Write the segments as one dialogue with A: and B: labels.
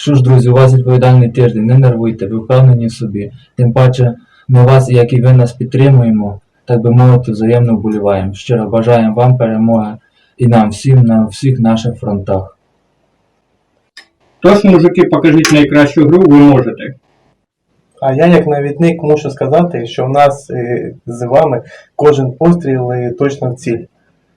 A: Що ж, друзі, у вас відповідальний тиждень, не нервуйте, ви впевнені в собі. Тим паче, ми вас, як і ви нас підтримуємо, так би мовити, взаємно вболіваємо. Щиро бажаємо вам перемоги і нам всім на всіх наших фронтах.
B: Тож, мужики, покажіть найкращу гру, ви можете.
C: А я, як навідник, мушу сказати, що в нас з вами кожен постріл точно в ціль.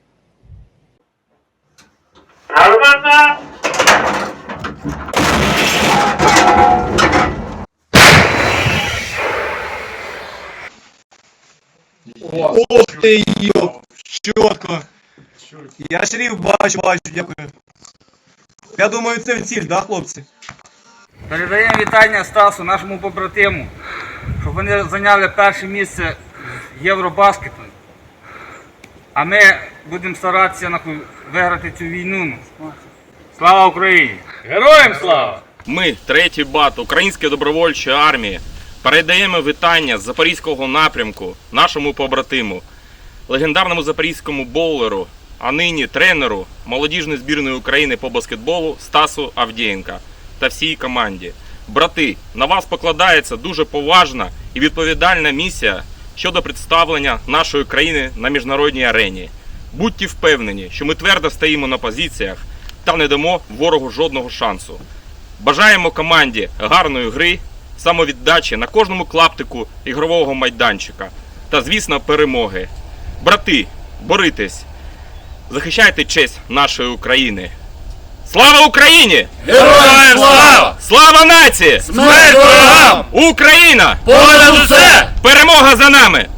D: Ох ти, йоп, чітко. Я шрифт бачу, дякую. Я думаю, це в ціль, да, хлопці?
E: Передаємо вітання Стасу, нашому побратиму, щоб вони зайняли перше місце в Євробаскету. А ми будемо старатися виграти цю війну. Слава Україні! Героям слава!
F: Ми, 3-й БАТ Української добровольчої армії, передаємо вітання з Запорізького напрямку нашому побратиму, легендарному запорізькому боулеру, а нині тренеру молодіжної збірної України по баскетболу Стасу Авдєєнка та всій команді. Брати, на вас покладається дуже поважна і відповідальна місія щодо представлення нашої країни на міжнародній арені. Будьте впевнені, що ми твердо стоїмо на позиціях та не дамо ворогу жодного шансу. Бажаємо команді гарної гри, самовіддачі на кожному клаптику ігрового майданчика та, звісно, перемоги. Брати, борітесь, захищайте честь нашої України. Слава Україні!
G: Героям слава!
F: Слава нації!
G: Смерть ворогам!
F: Україна!
G: Понад усе!
F: Перемога за нами!